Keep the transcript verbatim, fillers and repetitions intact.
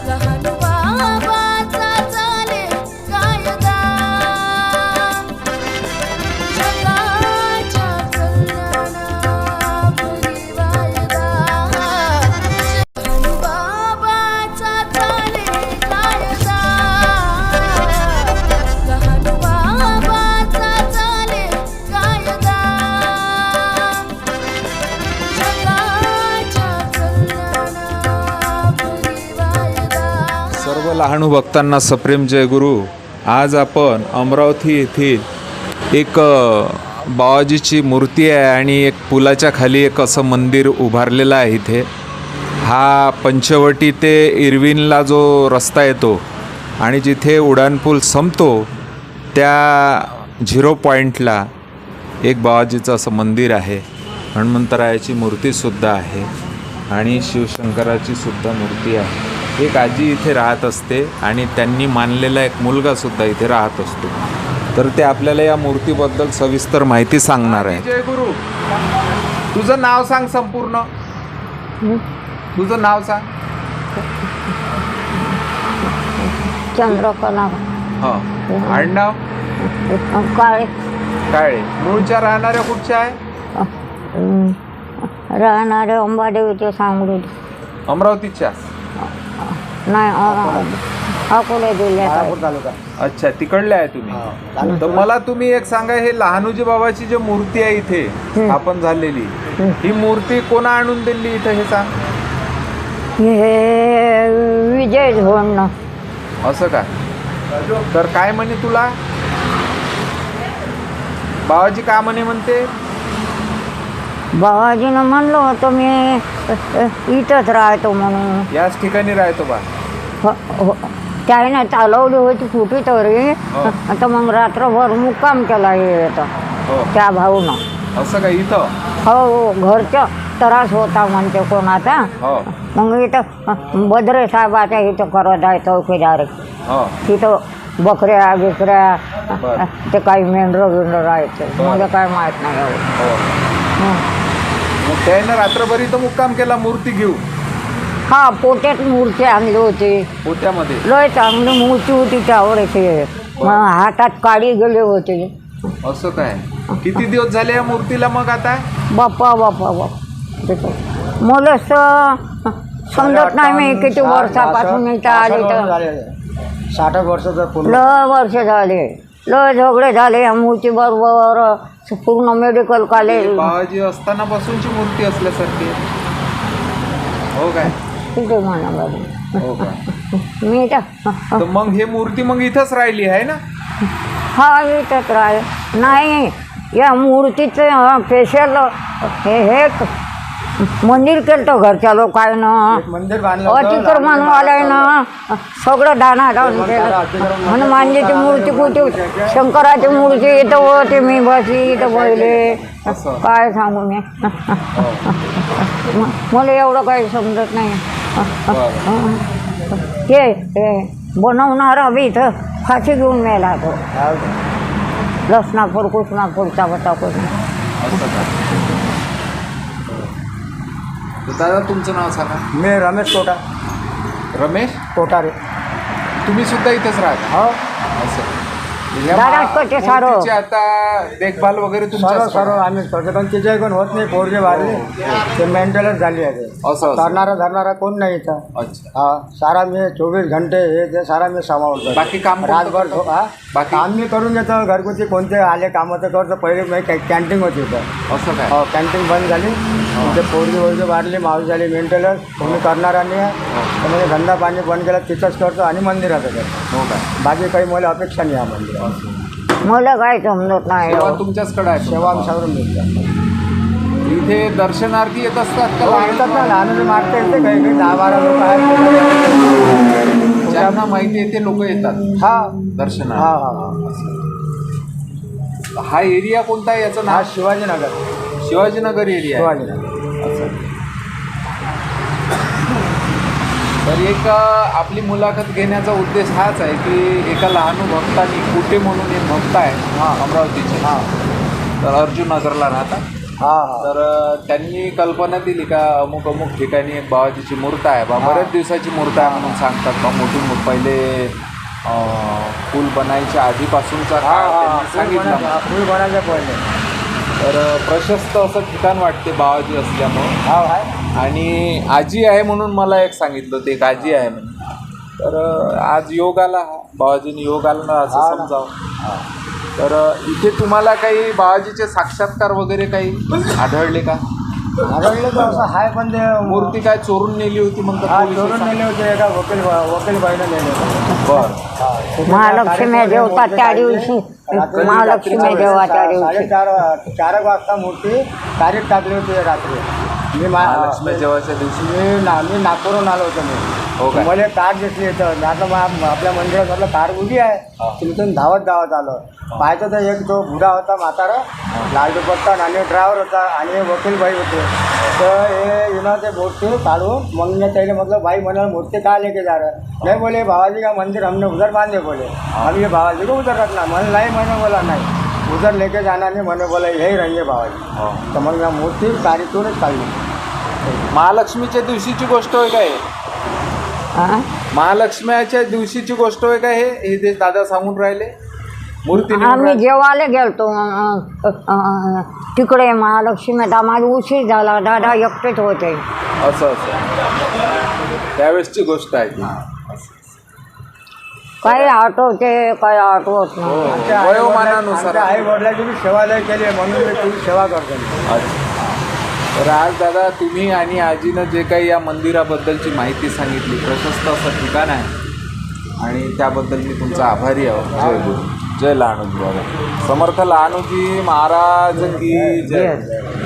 लहान बाबाचा चाले कायदा जगाच्या कल्याणापुरी वायदा लहान बाबाचा चाले कायदा लहान बाबाचा चाले कायदा सर्व लहानू भक्तांना सप्रेम जय गुरु. आज आपण अमरावती येथील एक बाबाजीची मूर्ती आहे आणि एक पुलाच्या खाली एक असं मंदिर उभारलेलं आहे. इथे हा पंचवटी ते इरविनला जो रस्ता येतो आणि जिथे उड्डाणपूल संपतो त्या झिरो पॉईंटला एक बाबाजीचं असं मंदिर आहे. हनुमंतरायाची मूर्तीसुद्धा आहे आणि शिवशंकराची सुद्धा मूर्ती आहे. एक आजी इथे राहत असते आणि त्यांनी मानलेला एक मुलगासुद्धा इथे राहत असतो. तर ते आपल्याला या मूर्तीबद्दल सविस्तर माहिती सांगणार आहे. जय गुरु. तुझं नाव सांग संपूर्ण. तुझं नाव सांग. चंद्रकला हां. आडनाव काळे. काळे. मूळच्या राहणाऱ्या कुठच्या आहे? राहणारे अंबादेवीचे सांगली. अमरावतीच्या? नाही अकोले जिल्ह्यात. अच्छा, तिकडले आहे तुम्ही. तर मला तुम्ही एक सांगा, हे लहानूजी बाबाची जी मूर्ती आहे इथे स्थापन झालेली, ही मूर्ती कोणा आणून दिली इथे हे सांग. हे विजय झोडणं. असं का? तर काय म्हणे तुला बाबाजी? का म्हणे म्हणते? बाबाजीनं म्हणलं होतं मी इथंच राहतो म्हणून. याच ठिकाणी राहतो बा. त्याने चालवली होती कुठे तरी. आता मग रात्रभर मुक्काम केला येतं त्या भाऊनं. असं का? इथं हो, घरचा त्रास होता म्हणते कोणाचा. मग इथं बद्रे साहेबाच्या इथं करत आहे चौकीदारी. तिथं बकऱ्या बिकऱ्या ते काही मेंढरं बिंढरं राहायचं. मला काय माहीत नाही एवढं. मग त्यानं रात्रभर इथं मुक्काम केला मूर्ती घेऊ. हा, पोट्यात मूर्ती आणली होती. पोत्यामध्ये लय चांगली मूर्ती होती त्यावेळेची. हातात काडी गेले होते. असं काय? किती दिवस झाले या मूर्तीला मग आता? बाप्पा बाप्पा बाप्पा मला समजत नाही मी किती वर्षापासून इथं आले. तर साठ वर्षाचं लय वर्ष झाले. लय झगडे झाले या मूर्ती बरोबर. पूर्ण मेडिकल कॉलेज बाबाजी असताना पासूनची मूर्ती असल्यासारखी. हो काय? तिथे म्हणा बाबा. हो का? मी तर मग हे मूर्ती मग इथंच राहिली आहे ना? हा, इथंच राह नाही. या मूर्तीचं स्पेशल हे हे मंदिर केलं तर घरच्या लोकांना. मंदिर बांधलं अतिक्रमणवाल्यानं सगळं दाना लावून केलं. हनुमानजीची मूर्ती कुठे, शंकराची मूर्ती इथं होती. मी बसली इथं बसले. काय सांगू मी. मला एवढं काही समजत नाही. ते बनवणारा बी इथं फाशी घेऊन मेला तो. लसणापूर कृष्णापूरचा होता कोणी. दादा तुमचं नाव सांगा. मी रमेश कोटा. रमेश कोटारे. तुम्ही सुद्धा इथेच राहता? हो. असं मूर्तीची आता देखभाल वगैरे सर्व सर्व आम्हीच करतो. पण तिच्या कोण होत नाही. पोरगे वाढले ते मेंटेनच झाली आहे. असं करणारा धरणारा कोण नाही इथं. अच्छा. हा, सारा मी चोवीस घंटे हे ते सारा मी सांभाळतो. बाकी काम रातभर हा बाकी काम मी करून घेतो. घरगुती कोणते आले कामं तर करतो. पहिले मी कॅन्टीन होती इथं. असं काय? हो, कॅन्टीन बंद झाली. ते पोरगी वगैरे वाढली, मावशी झाली मेंटेनर. कोणी करणारा नाही आहे. तर म्हणजे धंदा पाणी बंद केला तिथंच करतो आणि मंदिरात करतो. हो काय? बाकी काही मला अपेक्षा नाही आहे मंदिरात. मला काय समजत नाही. सेवा तुमच्याचकडे आहे? सेवा आमच्याकडून मिळतात. इथे दर्शनार्थी येत असतात का? हो, येतात ना. लहान मारता येते काही काही दहा बारा लोक आहेत. ज्यांना माहिती आहे ते लोक येतात हा दर्शना. हा हा हा हा एरिया कोणता आहे याचं हा नाव? शिवाजीनगर. शिवाजीनगर एरिया. शिवाजीनगर. तर एक आपली मुलाखत घेण्याचा उद्देश हाच आहे की एका लहान भक्तांनी कुठे म्हणून एक भक्त आहे हां अमरावतीचे. हां तर अर्जुन नगरला राहतात. हा हा तर अ, त्यांनी कल्पना दिली का अमुक अमुक ठिकाणी एक बाबाजीची मूर्त आहे बा बऱ्याच दिवसाची मूर्त आहे म्हणून सांगतात बा मोठी मोठ पहिले अ, पूल बनायच्या आधीपासूनचा हा काळ हा त्यांनी सांगितलं मला. फुल बनायचं पहिले तर अ, प्रशस्त असं ठिकाण वाटते बाबाजी असल्यामुळं. हा आहे आणि आजी आहे म्हणून मला एक सांगितलं ते एक आजी आहे म्हणून. तर अ, आज योग आला हा बाबाजीने योग आला ना असं हा ना. समजावं. तर अ, इथे तुम्हाला काही बाबाजीचे साक्षात्कार वगैरे काही आढळले का? आढळलं तर असं आहे पण ते मूर्ती काय चोरून नेली होती म्हणतात हा पोलिस चोरून नेले होते एका वकील वकील बाईनं नेले होते बर महालक्ष्मी जेवतात त्या दिवशी महालक्ष्मी जेव्हा त्या दिवशी साडेचार चार एक वाजता मूर्ती तारीख टाकली होती रात्री मी मा- महालक्ष्मी जेवायच्या दिवशी मी ना मी नागपूरहून आलो होतो हो मी काय? मला कार दिसली इथं आता मग आपल्या मंदिरात म्हटलं कार उभी आहे तिथून धावत धावत आलो पाहतो तर एक तो बुडा होता म्हातारा लाल दुपट्टा आणि ड्रायव्हर होता आणि वकील बाई होते तर हे येणार ते मूर्ती काढून मग मैं त्याला मतलब भाई मैंने मूर्ति कहाँ लेके जा रहा है नहीं बोले बाबाजी का मंदिर हमने उधर बांधे बोले हम ये बाबाजी को उधर रखना मैंने नहीं मैंने बोला नहीं उधर लेके जाना नहीं मैंने बोला यही रहेंगे बाबाजी तो मग मैं मूर्ति तारीखूनच काढली महालक्ष्मीच्या दिवशीची गोष्ट होय काय? हा? महालक्ष्मीच्या दिवशीची गोष्ट होय काय? हे हे जे दादा सांगून राहिले मूर्ती नेऊन आम्ही राहिले. जेवायला गेलतो अं, अं, तिकडे महालक्ष्मीत आम्हाला उशीर झाला दादा एकटेच होते असं असं त्यावेळेसची गोष्ट आहे ती. काही आठवते काही आठवत नाही हो, वयोमानानुसार आई वडिलांची मी सेवालय केली आहे म्हणून मी तुझी सेवा करतो अच्छा. तर आज दादा तुम्ही आणि आजीनं जे काही या मंदिराबद्दलची माहिती सांगितली प्रशस्त असं ठिकाण आहे आणि त्याबद्दल मी तुमचा आभारी आहोत. जय गुरु जय लहानोजी बाबा समर्थ लहानोजी महाराज की जय.